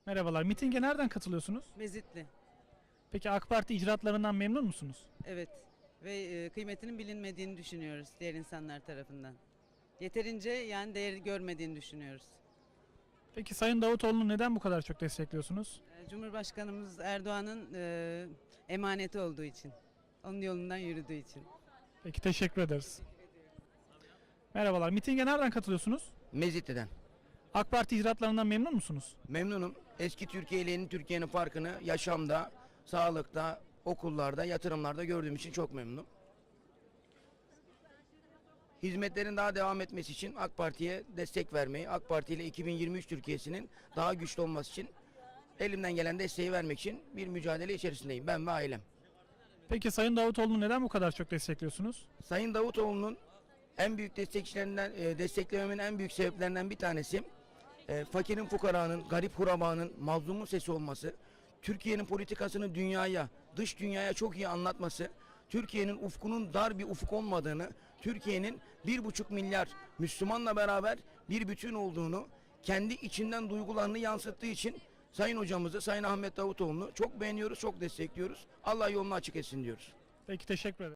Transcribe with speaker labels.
Speaker 1: Merhabalar. Mitinge nereden katılıyorsunuz?
Speaker 2: Mezitli.
Speaker 1: Peki AK Parti icraatlarından memnun musunuz?
Speaker 2: Evet. Ve kıymetinin bilinmediğini düşünüyoruz diğer insanlar tarafından. Yeterince yani değer görmediğini düşünüyoruz.
Speaker 1: Peki Sayın Davutoğlu'nu neden bu kadar çok destekliyorsunuz?
Speaker 2: Cumhurbaşkanımız Erdoğan'ın emaneti olduğu için. Onun yolundan yürüdüğü için.
Speaker 1: Peki teşekkür ederiz. Merhabalar. Mitinge nereden katılıyorsunuz?
Speaker 3: Mezitli'den.
Speaker 1: AK Parti icraatlarından memnun musunuz?
Speaker 3: Memnunum. Eski Türkiye ile yeni Türkiye'nin farkını yaşamda, sağlıkta, okullarda, yatırımlarda gördüğüm için çok memnunum. Hizmetlerin daha devam etmesi için AK Parti'ye destek vermeyi, AK Parti ile 2023 Türkiye'sinin daha güçlü olması için elimden gelen desteği vermek için bir mücadele içerisindeyim ben ve ailem.
Speaker 1: Peki Sayın Davutoğlu'nu neden bu kadar çok destekliyorsunuz?
Speaker 3: Sayın Davutoğlu'nun en büyük destekçilerinden, desteklememin en büyük sebeplerinden bir tanesi fakirin, fukaranın, garip hurabanın, mazlumun sesi olması, Türkiye'nin politikasını dünyaya, dış dünyaya çok iyi anlatması, Türkiye'nin ufkunun dar bir ufuk olmadığını, Türkiye'nin 1,5 milyar Müslümanla beraber bir bütün olduğunu, kendi içinden duygularını yansıttığı için Sayın hocamızı, Sayın Ahmet Davutoğlu'nu çok beğeniyoruz, çok destekliyoruz. Allah yolunu açık etsin diyoruz.
Speaker 1: Peki teşekkür ederim.